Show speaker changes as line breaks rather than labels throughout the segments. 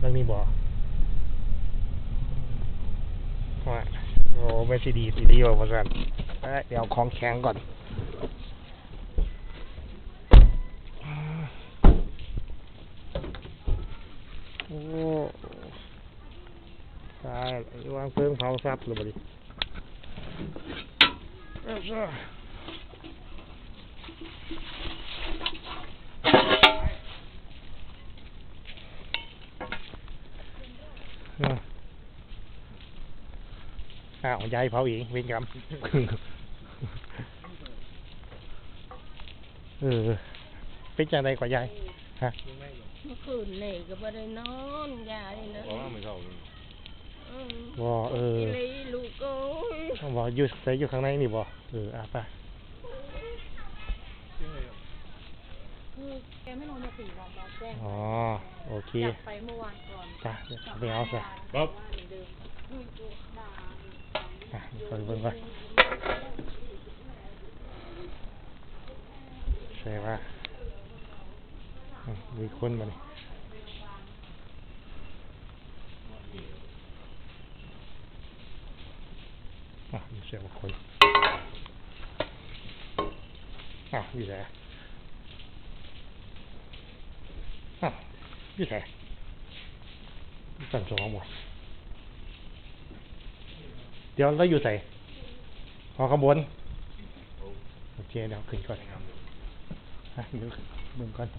มันมีบ่ว่าโอ้ไม่ซีดีว่าประกันเดี๋ยวของแข็งก่อนโอ้ตายวางเพิ่งเผาซับหรือเปล่าดิยายเผาอีกเวรกรรมเป็นจังไดกว่ายายฮะ
เมื่อคืนนี่ก็ไม่ได้นอนยายนะ
ไม่เข้า
บ่
เลยลูกโอ้ย
บ่อยู่ใส่อยู่ข้างในนี่บ่ไป
แกไม่นอนมา4 วันแล้วแจ้ง
โอเค
อยากไปเมื่อวานก่อน
จ้ะไม่เอาซะ
ครับ
ไปเบิ่งก่อนใช่ป่ะมีคนมาเนี่ยมีเสียงคนอยู่ไหนอยู่ไหนสั่งสองหมดเดี๋ยวเราอยู่ไหนข้างบนโอเคเดี๋ยวขึ้นก่อนเดี๋ยวเบิ่งก่อน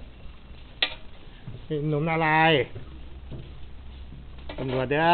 หนุ่มนาลายตำรวจเด้อ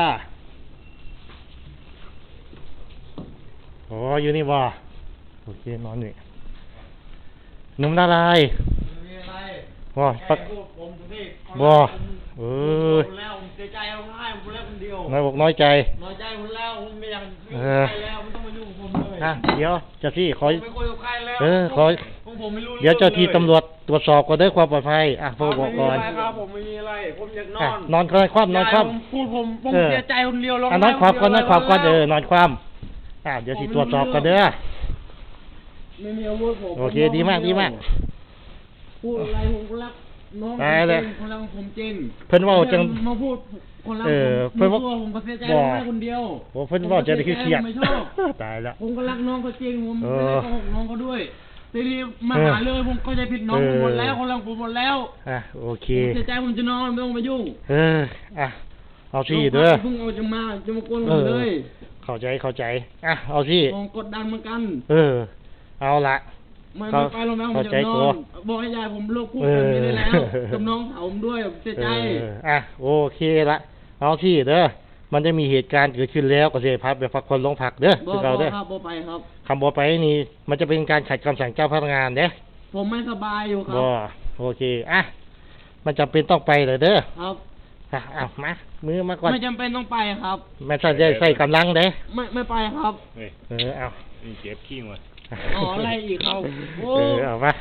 โอ้อยู่นี่บ่โอเคนอนอยู่หนุ่มนาลายบ่ปักบ่
แล้วผมเสียใจเอาง่ายผมแล้วคนเดียว
น้อยบอกน้อยใจ
ผมแล้วผมไม่อยากยุ่งกับใครแล้วไม่ต้องมายุ่งกับผมเลย
เดี๋ยวเจ้าที่ขอ
ไม่คุยกับใครแล้ว
ขอ
ผมไม่รู้
เดี๋ยวเจ้าที่ตำรวจตรวจสอบก่อนด้วยความปลอดภัยพอบอกก่อน
ครับผมไม่มีอะไรผมอยาก
นอนคว่ำนอนคว่
ำพูดผมเสียใจคนเดียวร้อง
นอนคว่ำก่อนนอนคว่ำก่อนนอนคว่ำเดี๋ยวสิตรวจสอบกันเด้อ
ไม่มีอาวุธผม
โอเคดีมาก
พูดอะไรผมก็รักน้องคนรักผมจริง
เพิ่นว่าจัง
มาพูดคนรักผมเพิ่นว่าผมก็เสียใจร้องไห้คนเดียว
เพิ่นว่าจะได้เครียดตายแล้ว
ผมก็รักน้องเขาจริงผมไม่ได้โกหกน้องเขาด้วยทีนี้มาหาเรื่องผมก็จะผิดน้องผมหมดแล้วคนรักผมหมดแล้ว
โอเค
เสียใจผมจะนอนไม่ต้องมายุ่ง
เอาสิเด้อ
เพิ่งเอาจะมากวนผมเลย
เข้าใจเอาสิ
ผมกดดันเหมือนกัน
เอาละ
ไม่ไปโรงพยาบาลผมจะนอนบอกให้ยายผมเลิกพูดแบบนี้ได้แล้วกับน้องสาวผมด้วยเสียใจ
โอเคละเอาสิเด้อมันจะมีเหตุการณ์เกิดขึ้นแล้วก็เสียพักไปพักคนลงพักเด้อ
คือเราเด้อครับบ่ไปครับ
คำบ่ไปนี่มันจะเป็นการขัดคำสั่งเจ้าพนักงานเด้
ผมไม่สบายอยู่ครับ
โอเคมันจำเป็นต้องไปเลยเด้อ
ครับ
มามือมาก่อน
ไม่จำเป็นต้องไปครับ
ไม่ใส่กำลังเด้
ไม่ไปครับ
เอา
เจ็บขี้มา
อะไรอีกครับ
เอาไป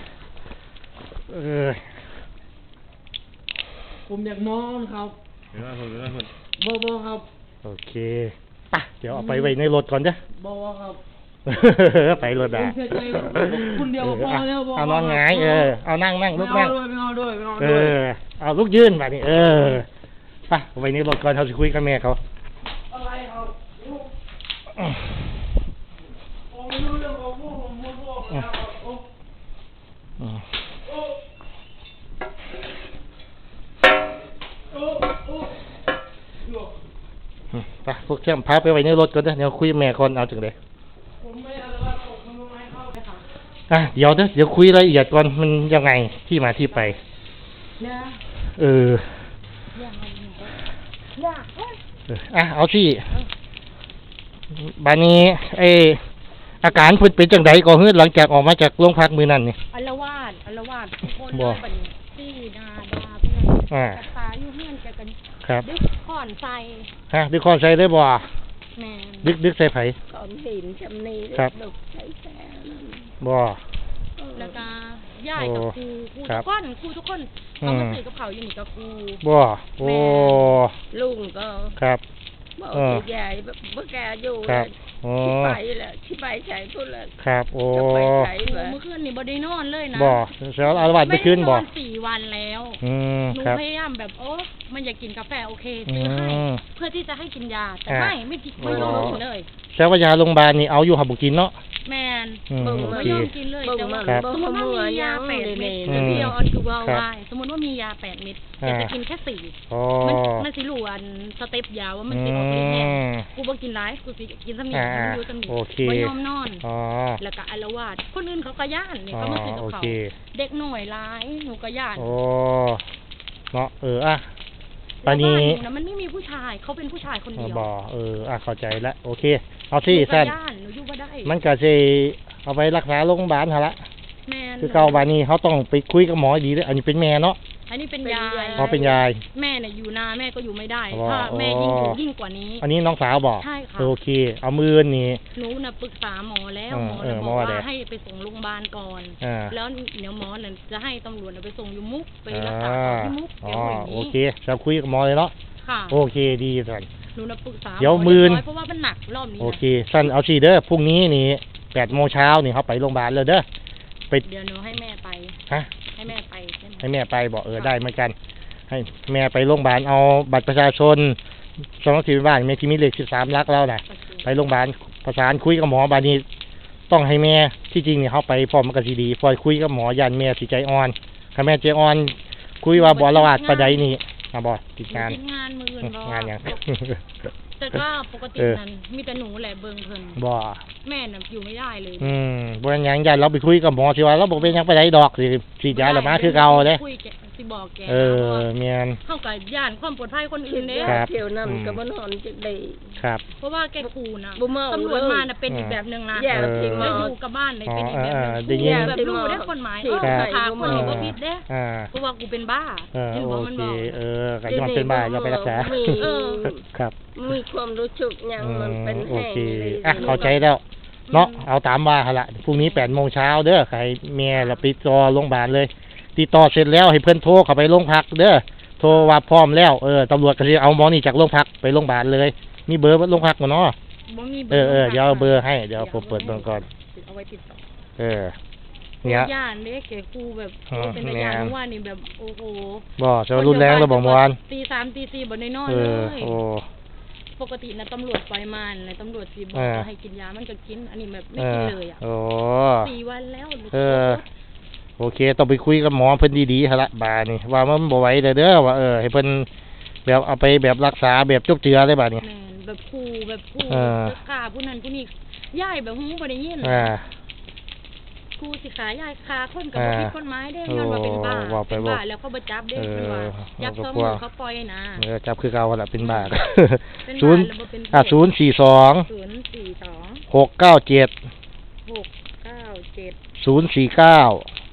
ผมอยากนอนครับบ่ครับ
โอเคเดี๋ยวเอาไปไว้ในรถก่อนเด้อ
บ่ครับ
ไปรถ
คุณเดียวพอแล้ว
เอานอนหงายเอานั่งลุกนั่ง
เอาด้วย
เอาลุกยืนแบบนี้ไปไว้ในรถก่อนเขาจะคุยกับแม่เขา
อะไรครับผมไม่รู้เรื่องของผม
ไปพวกเชื่อมพาไปไว้ในรถก่อนเด้อเดี๋ยวคุยแม่คนเอาถึงเลยเดี๋ยวคุยรายละเอียดก่อนมันยังไงที่มาที่ไปเอาสิบานี้อาการเป็นจังไดก็เฮือหลังจากออกมาจากโรงพักมื้อนั้นนี่
อัลวาดคนเลยบัดนี้ซี่นาดาเพิ่นตาอยู่เฮือนแกกันดึกค้อนใส่
ดึกค้อนใส่ได้บ่
แม่
ดึกใส่ไผ
ก้อนหินจำนี้ดึกใส่แซ่
บ่
แล้วก็ย่ายกับครูทุกคนเขามาซื้อกับเขาอยู่นี่กับครู
บ่
ลุงก็
ครับ
บอกยายแบบเมื่อแกอยู่
ครับโอ้
ที่ไปแหละที่ไปใช้พูดเลย
ครับโอ้
จะไปใช้
โอ้
แบบ
เมื่อคืนนี่บ่ได้นอนเลยนะ
บ่แล้วอาละวาดไปขึ้นบ่
ไม่ได้นอน4 วันแล้ว
อืม
หนู
ครับ
พยายามแบบมันอยากกินกาแฟโอเค
อื
ซื้อให้
ม
เพื่อที่จะให้กินยาแต่
อ่า
ไม่กินไม่ยอมกินเลย
แต่ว่ายาโรงพยาบาลนี่เอาอยู่หับบุกินเนาะ
แมน
อืม
เบิ่ง
โอ
มา
เค
ไม่ยอมกินเลย
เบิ่ง
แต่ว่า
มา
ครับ
สมมติว่ามียา8 เม็ด
อืม
เดียวอันคือว่า
ครับ
ได้สมมติว่ามียา8 เม็ด
อ่า
แต่จะกินแค่4
อ๋อ
มันสิรู้อันสเต็ปยาว่ามันสิออกฤทธิ์แน่กูบ่กินหลายกูสิกินสำนี
อ่า
มันอยู่สำนี
โอเค
บ่ยอมนอน
อ๋อ
แล้วก็อาละวาดคนอื่นเขาก็ย่านเนี่ยเขามาซื้อกับเขา
โอเค
เด็กหน่อยร้ายหนูก็ย่าน
โอ้เนาะอ่ะปา
แล้ว
นี้
บ้านหนูนะมันไม่มีผู้ชายเขาเป็นผู้ชายคนเดียว
บ่เข้าใจแล้วโอเค เอาที่
หนูก็
สั้น
ย่านหนูอยู่บ่ได้
มันก็สิเอาไปรักษาโรงพยาบาลหั่นละ
แม่น
คือเก่าบานี้เขาต้องไปคุยกับหมอดีเด้ออันนี้เป็นแม่เนาะ
อันนี้เป็นยาย
เขาเป็นยาย
แม่เนี่ยอยู่นาแม่ก็อยู่ไม่ได้
อ๋อ
ถ้าแม่ยิ่งกว่านี้
อันนี้น้องสาวบอก
ใช่ค่ะ
โอเค เอามือนี่
หนูน่ะปรึกษาหมอแล้ว
เออ
หมอ
เออ
น่ะ
หม
บ
อ
อก
ว่า
ว่า
ไง
ให้ไปส่งโรงพยาบาลก่อน
อ่า
แล้วเดี๋ยวหมอน่ะจะให้ตำรวจน่ะไปส่งอยู่มุกไปรัก
อ่า
ษาต่อที่มุก
อ๋
เดี๋
อ
ยวอย่าง
โอ
นี้
เคจะคุยกับหมอเลยเนาะ
ค่ะ
โอเคดีสัน
หนูน่ะปรึกษา
เดี๋ยว
ห
มื้อ
เรียบร้อยเพราะว่ามันหนักรอบนี้
โอ
นะ
เคสั้นเอาสิเด้อพรุ่งนี้นี่8 โมงเช้านี่เขาไปโรงพยาบาลเลยเด้อไป
เดี๋ยวหนูให้แม่ไป
ฮะ
ให้แม่ไปใช่ไหม
ให้แม่ไปบอกได้เหมือนกัน ให้แม่ไปโรงพยาบาลเอาบัตรประชาชนสองสี่บ้านแม่ที่มีเลข13 หลักแล้วน่ะ
โอเค
ไปโรงพยาบาลประสานคุยกับหมอบานี้ต้องให้แม่ที่จริงเนี่ยเขาไปพร้อมกันสิดีพอคุยกับหมอยันแม่สิใจอ่อนถ้าแม่ใจอ่อน คุยว่าบ่ละวาดประใดนี่บ่ติดงาน
ติดงานมืออื่นบ่
งานหยัง
แต่ก็ปกติ
เออ
นั้นมีแต่หนูแหละเบิ่งเพิ่น
บ่
แม่น่ะอยู่ไม่ได้เลย
บ่หยังยันเราไปคุยกับหมอสิว่าเราบ่เป็นหยังไปไหนดอกสิฉีดยาแล้วมาคือเก่าเด้
คุยแกสิบอกแก
เออแม่น
เข้ากับย่านความปลอดภัยคนอื่นเด้
ครับ
เที่ยวนั่นก็บ่นอนจักได้
ครับ
เพราะว่าแกขู่นะ
บ่เมา
ตำรวจ
เลย
มาน่ะเป็นอีกแบบหนึงนะ
แย่
จริง
แล้ว
เมา
อยู่กับบ้านเลยเป็นอีกแบบหนึง
ได้ยิน
แบบรู้ได้คนหมาย
ครับ
พาคนนี้บ่ผิดเด้
อ่า
เพราะว่ากูเป็นบ้า
โอ
เห็นบ่มัน
เค
บอก
ก็ย้อนเป็นบ้าอย่าไปรักษา
มี
เออ
ครับ
มีความรู้สึกหยังมันเป็น
โอ
แห้ง
เค
เลย
เข้าใจแล้ว เนาะ เอาตามว่าหั่นละพรุ่งนี้8 โมงเช้าเด้อใครแม่เราไปรอโรงพยาบาลเลย ติดต่อเสร็จแล้วให้เพื่อนโทรเข้าไปโรงพักเด้อ โทรว่าพร้อมแล้ว ตำรวจก็สิเอาหมอนี่จากโรงพักไปโรงพยาบาลเลย มีเบอร์โรงพักบ่เนาะ
บ่มี
เดี๋ยวเอาเบอร์ให้ เดี๋ยวผมเปิดเบิ่งก่อน
เอาไว้ติดต่อ
เนี่ย
ย่านเด้แกกูแบบ
อ๋อ
เป็นตาย่านเมื่อวานนี่แบบโอ้โห
บ่จะว่ารุนแรงแล้วบ่เมื่อวาน
ตี 3 ตี 4บ่ได้นอน
เอ
เล
อย โอ้
ปกตินะตำรวจปล่อยมันนะตำรวจสิบอก
อ่า
ว่าให้กินยามันก็กิน อันนี้แบบไม่กินเลยอ่ะ
โอ้
4 วันแล้วหนู
โอเค ต้องไปคุยกับหมอเพิ่นดีๆหั่นละบาดนี่ว่ามันบ่ไหวเด้อว่าให้เพิ่นแบบเอาไปแบบรักษาแบบจุบเจือเลยบาดนี้
แม่นแบบครูแบบครู
เออ
จะฆ่าผู้นั้นผู้นี้ย่ายแบบหูบ่ได้ยิน
อ่า
ครูสิขาย่ายฆ่าคนกับบ่ผิดกฎหมายเด้ย้อนว่าเป็นบ้า
โอ้ว่าไป
เป็น
บอก
บ้าแล้วก็บ่จับเด้มันว่าจับ
เอา
ซ้อม
กลัว
เขาปล่อยนะ
จับคือเก่าหั่นละเป็นบาด
เป็น
ศู
บ้าน
ย์
แล้วบ่เป็น
042
042
697
697
049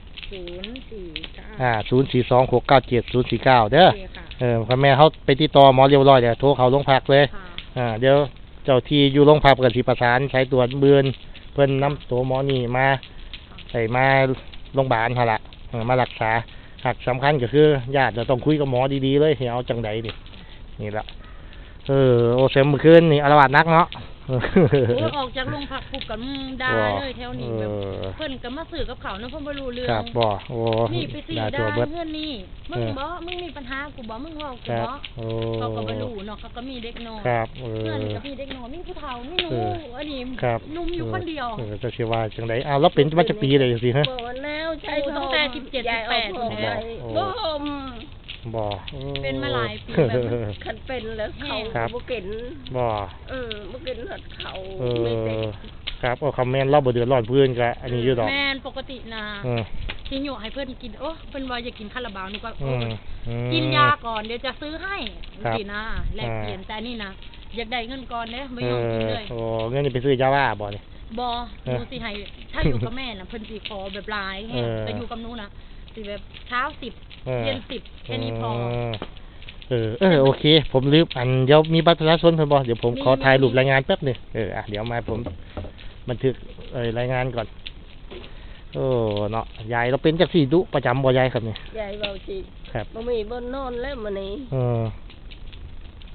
049
042 697 049เด้อ
โอเคค่ะ
พ่อแม่เขาไปติดต่อหมอเรียบร้อยเดี๋ยวโทรเขาโรงพักเลย
ค่ะ
เดี๋ยวเจ้าที่อยู่โรงพักกันสิประสานใช้ตรวจเบือนเพิ่นนำตัวหมอนี่มาใส่มาโรงพยาบาลหั่นล่ะมารักษาหากสำคัญก็คือญาติจะต้องคุยกับหมอดีๆเลยให้เอาจังใดนี่ล่ะโอเซมเมื่อคืนนี่อาละวาดนักเนาะ
โอ้ยออกจากโรงพักปุ๊บก็ด่าเลยแถวนี้แบบเพิ่นก็มาซื้อกับเขาวเนาะเพิ่นบ่รู้เรื่อง
ครับบ่โอ้
นี่ไปสิ
ด่า
ด่า
ตัวเบิด
เงินนี่มึงบ่มึงมีปัญหากูบ่มึงเว้ากู
ครับ
บ่
โอ้
เขาก็บ่รู้เนาะเขาก็มีเด็กน้อย
ครับ
เพื่อนก็มีเด็กน้อยมีผู้เฒ่ามีหนู
เออ
อันนี้
ครับ
หนุ่มอยู่คนเดียว
จะสิว่าจังไดอ้าวแล้วเป็นมาจากปีใดสิฮะ
บอกว่าแล้วใช้
ตั้งแต่17
ยายเอา
18
พ่อ
แล้ว
ไป
โอ้
บ่ม
บ่โอ้
เป็นมาหลายปีแบบ
คันเป็นแล้วเขา
ครับ
บ่กิน
บ่
บ่กินหัดเขา
เอ
ไม่ได้
ครับคอมเมนต์เราบ่เดือดร้อนเพื่อนก็อันนี้อยู่ดอก
แม่นปกตินะ
อืม
ที่อยู่ให้เพิ่นกินโอ้เพิ่นว่าอยากกินคาราบาวนี่ก็
อืม
กินยาก่อนเดี๋ยวจะซื้อให้
ครับ
สินะแลกเปลี่ยนแต่นี่นะอยากได้เงินก่อนเด้ไม่ยอมกินเลย
โอ้เงินนี่ไปซื้อยาบ้าบ่นี่
บอ
เอ
ห
อ
นูสิให้ถ้าอยู่กับแม่น่ะเพิ่นสิขอแบบหลายแฮะ
เออ
แต่อยู่กับหนูน่ะสิแบบเช้า10
เออ
เย็น10แค่นี้พอ
โอเค ผมลืมอันเดี๋ยวมีบัตรประชาชนเพิ่นบ่เดี๋ยวผมขอ
มี
ถ่ายรูปรายงานแป๊บหนึงเดี๋ยวมาผมบันทึกรายงานก่อนโอ้เนาะยายเราเป็นจักซี่ดุประจำบ่ยายครับนี่
ยายเว้าสิ
ครับ
บ่มีบ่นอนแล้วมื้อนี้
เออ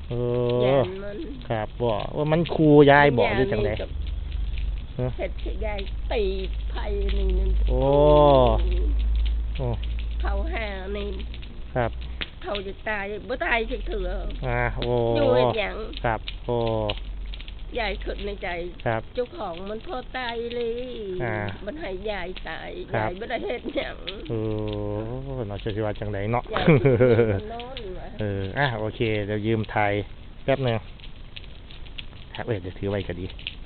เอ
ยั
อน
มัน
ครับบ่ว่ามันครูยายบอกหรือจังได๋
เฮ็ดสิยายตีไผนี่นั่น
โอ้ โอ้
เขาหานี่
ครับ
เขาจะตายบ่ตายจักเถื่อ
โอ้
อยู่เฮ็ดหยัง
ครับโอ้
ยายคิดในใจ
ครับ
เจ้าของมันพอตายเลย มันให้ยายตาย
ครับ
ยายบ่ได้เฮ็ดหยัง
เออเนาะจะสิว่าจังไดเนาะ
ยายมันนอนว่ะ
โอเคเดี๋ยวยืมถ่ายแป๊บหนึงครับเดี๋ยวถือไว้ก็ดี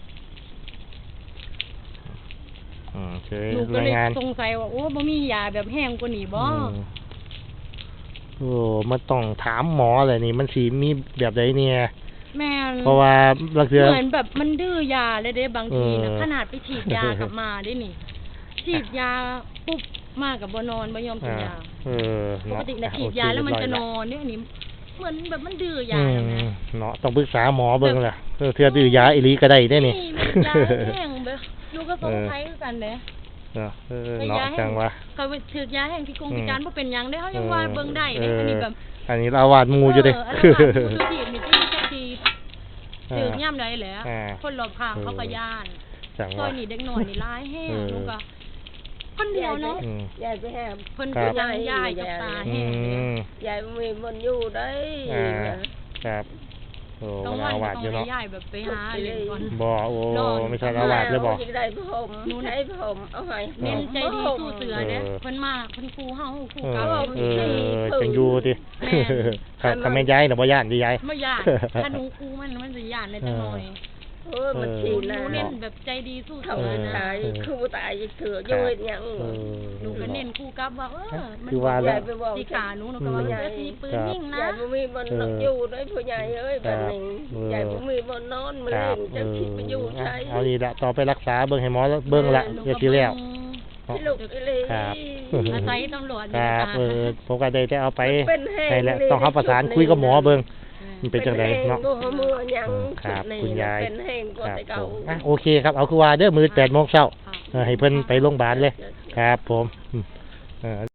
เฉย
หนูก็
ราย
เลย
งาน
สงสัยว่าโอ้บ่มียาแบบแห้งกว่านี้บ่
โอ้มันต้องถามหมอเลยนี่มันสีมีแบบใดเนี่ย
แม่น
เพราะว่าบางเทื่อ
เหมือนแบบมันดื้อยาเลยเด้บางทีนะ
เออ
ขนาดไปฉีดยากลับมาได้นี่ ฉีดยาปุ๊บมากับบ่นอนบ่ยอมกินยา
เออ
ป
เนาะ
กตินะฉีดยาแล้วมันจะนอนเนี่ยอันนี้เหมือนแบบมันดื้อยา
อื
แล้ว
ม
นะ
เนาะต้องปรึกษาหมอเบิ่งล่ะเทื่อดื้อยาอีหลีก็ได้เด้นี่
มันยาแห้งแบบลูกก็สงสัยคือกันเด้
เนาะ
ไป
เนาะ
ยาแห้
จังว่า
เขาถือยาแห้งที่กงพิการบ่เป็นหยังได้เขายังว่าเบิ่งได้เด้อันนี้แบบ
อันนี้เราวาดหมูอยู่เด้
อันนั้นว่าหมูดูสิมีที่จักทีถือย่ำได้แหละ
อ่า
คนรอบข้างเขาก็ย่าน
จัง
ซอ
ว่า
ยนี่เด็กน้อยนี่หลายแห้ง
เออ
ลูกก็คนเดียวเนาะ
อืม
ยายไปหา
เพิ่น
ครั
ก็
บ
ยังยายกับตา
อื
แห้งเนี่ย
ม
ยายมีมันอยู่ได้
ครับโอ้
ต้อง
เวลา
วัน
วาด
ต้
อ
อยู่ งให้
เนาะ
ยายแบบไปหาเล่นก่อน
บ่โอ้
นอน
ไม่ใช่ละวาดเลยบ่
จะได้ผมใช้ผมเอาให้
เน้นใจดีสู้เสือเด้เพิ่นมาเพิ่นครูเฮาครู
เอ
เก่า
อจังอยู่ติ
แม่
ครับถ้าแม่นย้ายน่ะบ่ย่านดิยาย
บ่ย่านถ้าหนูครูมันสิย่านได้จังหน่อย
มัน
ห
ชี
นู
นะ
เน้นแบบใจดีสู้
เขา
เสือนะ
ตายคือตายเถื่ออยู่เฮ็ดหยัง
หนูก็เน้นครูกลับว่ามัน
คือว่าแล้ว
สิขาหนูก็ว่าจะสิปืนยิงนะ
ยายบ่มีบ่นอนอยู่ได้ผู้ใหญ่เอ้ยบัดนี้ยายบ่มีบ่นอนมื้อ
ครับ
นี้จะคิดไปอยู่ใช้
เอานี่ละต่อไปรักษาเบิ่งให้หมอเบิ่งละเดี๋ยวสิแล้ว
ที่ลูกอีหลี
ครับ
อาศัยตำรวจ
ครับผมก็ได้แต่เอาไป
เป็นแห้ง
ให้แล้วต้องเฮาประสานคุยกับหมอเบิ่งมันเป็นจังไดเนาะ
บ่มือหยัง
ครับคุณยาย
เป็นแห้งกว่า
ครับ
แต่
ผ
เก่าม
โอเคครับเอาคือว่าเด้อมื้อ 8:00 นให้เพิ่นไปโรงพยาบาลเลย ครับผม